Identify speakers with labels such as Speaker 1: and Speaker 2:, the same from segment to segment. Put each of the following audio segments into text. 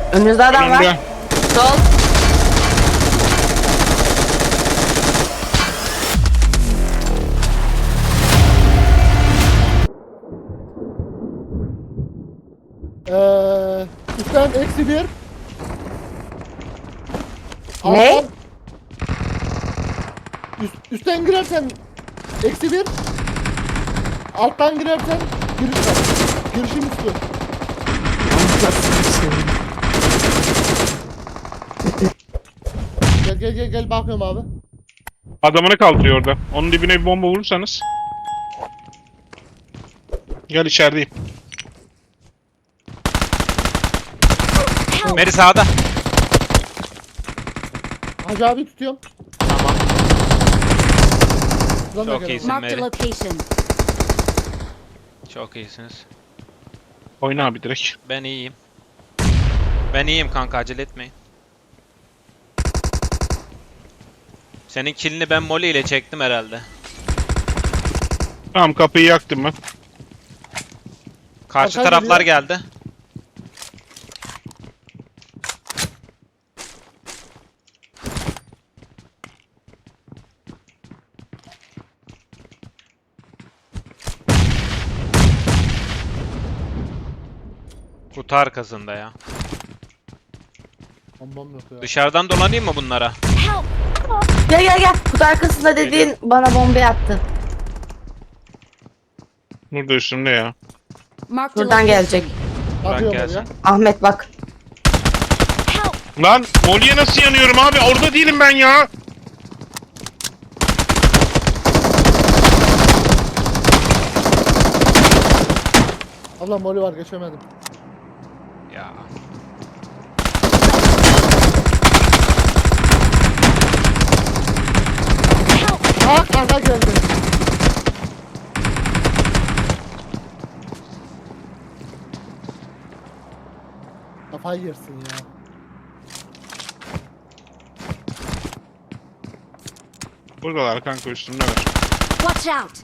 Speaker 1: Önünüzde adam var.
Speaker 2: Önümde.
Speaker 1: Sol.
Speaker 3: Üstten -1.
Speaker 1: Ne?
Speaker 3: Alttan- üstten girersen -1. Alttan girersen giriş var. Girişin üstü. Gel bakıyorum abi.
Speaker 2: Adamını kaldırıyor orada. Onun dibine bir bomba vurursanız. Gel içerideyim.
Speaker 4: Meri sağda.
Speaker 3: Hacı abi tutuyorum.
Speaker 4: Tamam.
Speaker 3: Buradan da
Speaker 4: Çok
Speaker 3: gel.
Speaker 4: iyisin
Speaker 5: Marked a
Speaker 4: Meri.
Speaker 5: location.
Speaker 4: Çok iyisiniz.
Speaker 2: Oyna abi direkt.
Speaker 4: Ben iyiyim. Ben iyiyim kanka, acele etmeyin. Senin killini ben Molly ile çektim herhalde.
Speaker 2: Tamam, kapıyı yaktım ben.
Speaker 4: Karşı
Speaker 3: Arka
Speaker 4: taraflar
Speaker 3: geliyor.
Speaker 4: geldi. Kutu arkasında ya.
Speaker 3: Bombam yok ya.
Speaker 4: Dışarıdan dolanayım mı bunlara?
Speaker 5: Help!
Speaker 1: Gel. Kutu arkasında dediğin bana bomba attı.
Speaker 2: Burada üstümde ya.
Speaker 5: Marked a
Speaker 1: Buradan
Speaker 5: location.
Speaker 1: gelecek.
Speaker 4: Bırak
Speaker 3: Bakıyorum
Speaker 4: gelsin.
Speaker 3: oraya.
Speaker 1: Ahmet bak.
Speaker 5: Help!
Speaker 2: Lan Molly'e nasıl yanıyorum abi? Orada değilim ben ya.
Speaker 3: Allah moli var geçemedim.
Speaker 4: Ya.
Speaker 3: Arka geldi. Kafayı yersin ya.
Speaker 2: Buradalar kanka, üstümdeler.
Speaker 5: Watch out!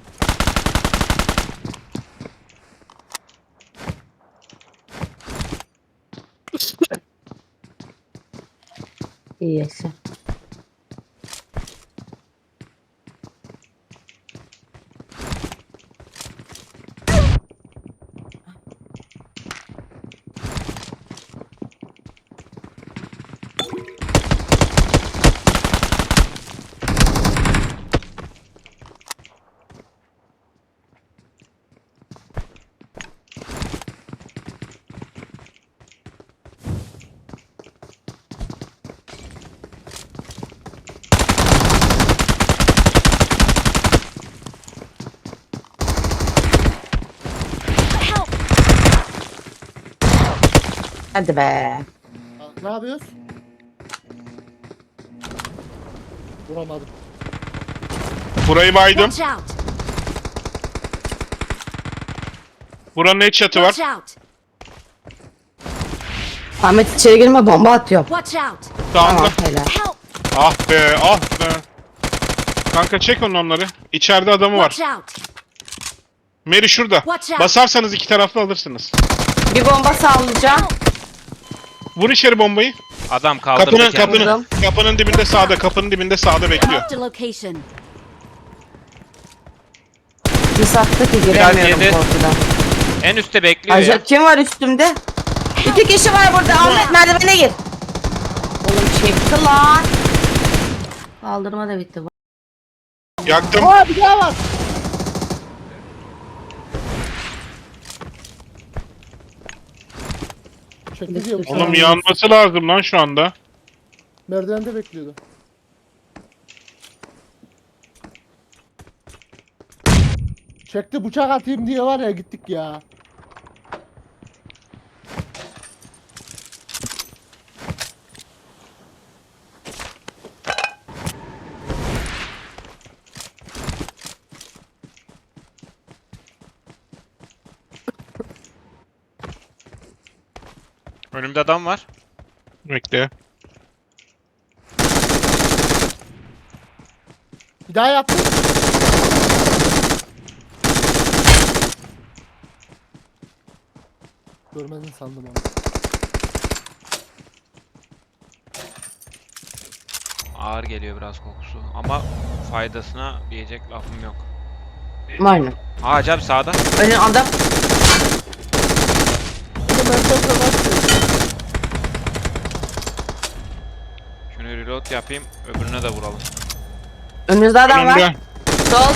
Speaker 1: İyi yaşa.
Speaker 5: Help!
Speaker 1: Hadi be.
Speaker 3: Ne yapıyoruz? Vuramadım.
Speaker 2: Burayı baydım.
Speaker 5: Watch out!
Speaker 2: Buranın headshot'ı var.
Speaker 5: Watch out!
Speaker 1: Ahmet içeri girme, bomba atıyor.
Speaker 5: Watch out!
Speaker 2: Sağında.
Speaker 1: Tamam helal.
Speaker 5: Help!
Speaker 2: Ah be, ah be. Kanka çek onları. İçeride adamı var.
Speaker 5: Watch out!
Speaker 2: Meri şurada.
Speaker 5: Watch out.
Speaker 2: Basarsanız iki taraflı alırsınız.
Speaker 1: Bir bomba sallayacağım.
Speaker 2: Vur içeri bombayı.
Speaker 4: Adam kaldırdı
Speaker 2: Kapının
Speaker 4: kendini.
Speaker 2: kapının dibinde sağda, kapının dibinde sağda bekliyor.
Speaker 5: Marked a location.
Speaker 1: Bir sattı ki giremiyorum
Speaker 4: yedi.
Speaker 1: korkudan.
Speaker 4: En üstte bekliyor ya.
Speaker 1: Acaba kim var üstümde? İki kişi var burada. Ahmet merdivene gir. Oğlum çekti lan. Kaldırma da bitti.
Speaker 2: Yaktım.
Speaker 3: Aa bir daha var. Çekti diyor.
Speaker 2: Oğlum yanması lazım lan şu anda.
Speaker 3: Merdivende bekliyordu. Çekti bıçak atayım diye var ya gittik ya.
Speaker 4: Önümde adam var.
Speaker 2: Bekle.
Speaker 3: Bir daha yaptım. Görmedin sandım onu.
Speaker 4: ağır geliyor biraz kokusu. Ama faydasına diyecek lafım yok.
Speaker 1: Aynen.
Speaker 4: Aa Hacı abi sağda.
Speaker 1: Önün adam.
Speaker 3: Bunu merkezde başlıyor.
Speaker 4: Şunu reload yapayım. Öbürüne de vuralım.
Speaker 1: Önünüzde adam var.
Speaker 2: Önümde.
Speaker 1: Sol.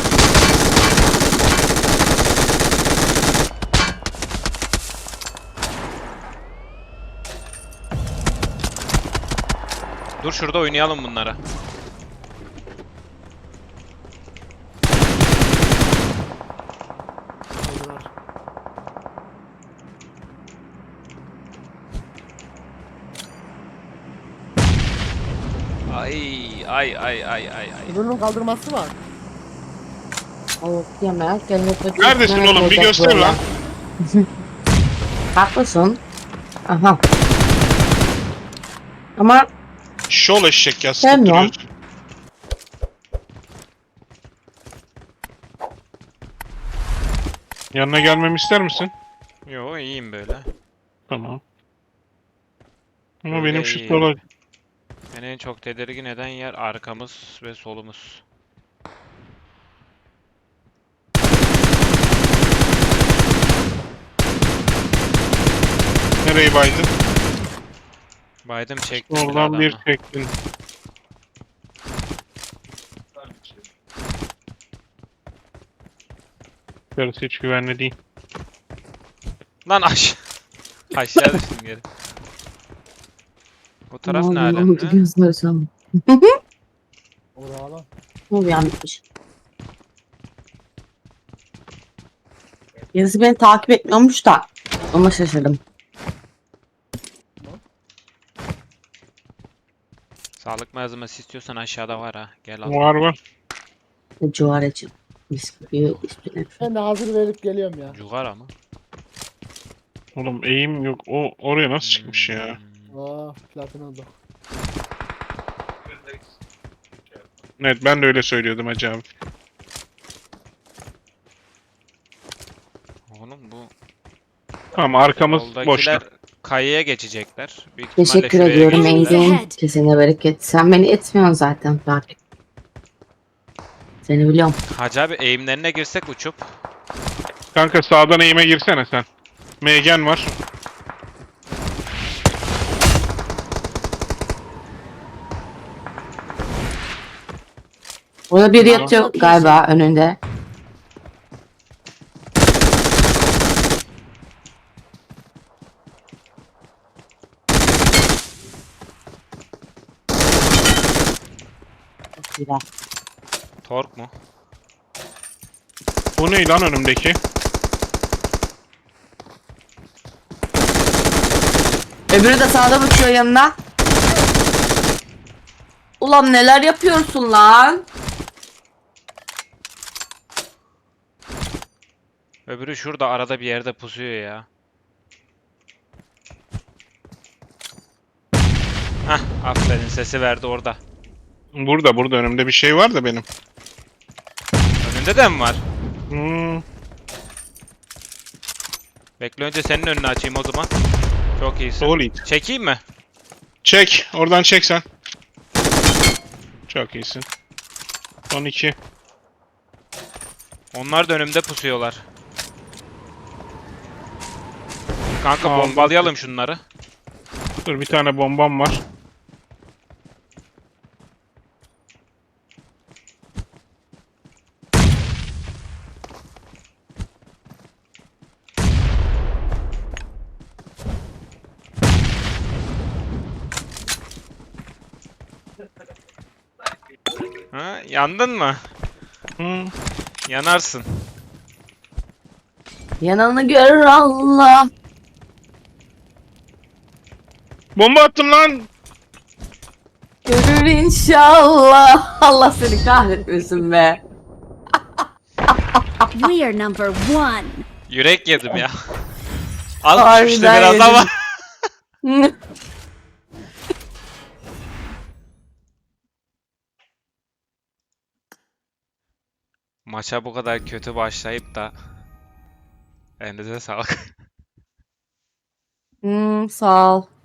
Speaker 4: Dur şurada oynayalım bunları. Ay ay ay ay ay ay.
Speaker 3: Öbürünün kaldırması var.
Speaker 1: Evet, yemek.
Speaker 2: Neredesin oğlum? Bir göster lan.
Speaker 1: Haklısın. Aha. Ama
Speaker 2: Şol eşek ya.
Speaker 1: Sen
Speaker 2: Sıkıp
Speaker 1: mi o?
Speaker 2: duruyorsun. Yanına gelmemi ister misin?
Speaker 4: Yo iyiyim böyle.
Speaker 2: Tamam. Ama
Speaker 4: Öyle
Speaker 2: benim şu
Speaker 4: iyi.
Speaker 2: sola...
Speaker 4: Beni en çok tedirgin eden yer arkamız ve solumuz.
Speaker 2: Nereyi baydın?
Speaker 4: Baydım çektim
Speaker 2: Oradan bir
Speaker 4: adamı.
Speaker 2: çektin. Yarısı hiç güvenli değil.
Speaker 4: Lan aşağı düştüm geri. Bu taraf ne alemde?
Speaker 1: Gözlersem.
Speaker 3: Oraya lan.
Speaker 1: Bu yanmış. Birisi beni takip etmiyormuş da. Ona şaşırdım.
Speaker 4: Sağlık malzemesi istiyorsan aşağıda var ha. Gel al.
Speaker 2: Var var.
Speaker 1: Cuvaracım. Bisküvi üstüne.
Speaker 3: Ben de hazır verip geliyorum ya.
Speaker 4: Cugara mı?
Speaker 2: Oğlum eğim yok. O oraya nasıl çıkmış ya?
Speaker 3: Aa platin oldu.
Speaker 2: Evet ben de öyle söylüyordum hacı abi.
Speaker 4: Oğlum bu
Speaker 2: Tamam arkamız
Speaker 4: soldakiler
Speaker 2: boşta.
Speaker 4: kayaya geçecekler. Büyük ihtimalle
Speaker 1: Teşekkür
Speaker 4: şuraya
Speaker 1: ediyorum
Speaker 4: geçecekler.
Speaker 1: Eylül.
Speaker 5: ahead.
Speaker 1: Kesene bereket. Sen beni etmiyorsun zaten takip. Seni biliyorum.
Speaker 4: Hacı abi eğimlerine girsek uçup.
Speaker 2: Kanka sağdan eğime girsene sen. Megen var.
Speaker 1: Orada biri
Speaker 2: Tamam.
Speaker 1: yatıyor galiba önünde. Çok güzel.
Speaker 4: Tork mu?
Speaker 2: Bu ne lan önümdeki?
Speaker 1: Öbürü de sağda uçuyor yanına. Ulan neler yapıyorsun lan?
Speaker 4: Öbürü şurada arada bir yerde pusuyor ya. Hah aferin sesi verdi orada.
Speaker 2: Burada önümde bir şey var da benim.
Speaker 4: Önünde de mi var?
Speaker 2: Hmm.
Speaker 4: Bekle önce senin önünü açayım o zaman. Çok iyisin.
Speaker 2: Solid.
Speaker 4: Çekeyim mi?
Speaker 2: Çek. Oradan çek sen. Çok iyisin. Son 2.
Speaker 4: Onlar da önümde pusuyorlar. Kanka
Speaker 2: Aldım.
Speaker 4: bombalayalım şunları.
Speaker 2: Dur bir tane bombam var.
Speaker 4: Ha, yandın mı?
Speaker 2: Hmm.
Speaker 4: Yanarsın.
Speaker 1: Yananı görür Allah.
Speaker 2: Bomba attım lan.
Speaker 1: Görür inşallah. Allah seni kahretmesin be.
Speaker 5: We are number one.
Speaker 4: Yürek yedim ya. Az
Speaker 1: Harbiden
Speaker 4: düşmüştü biraz
Speaker 1: yedim.
Speaker 4: ama. Maça bu kadar kötü başlayıp da elinize sağlık.
Speaker 1: Sağ ol.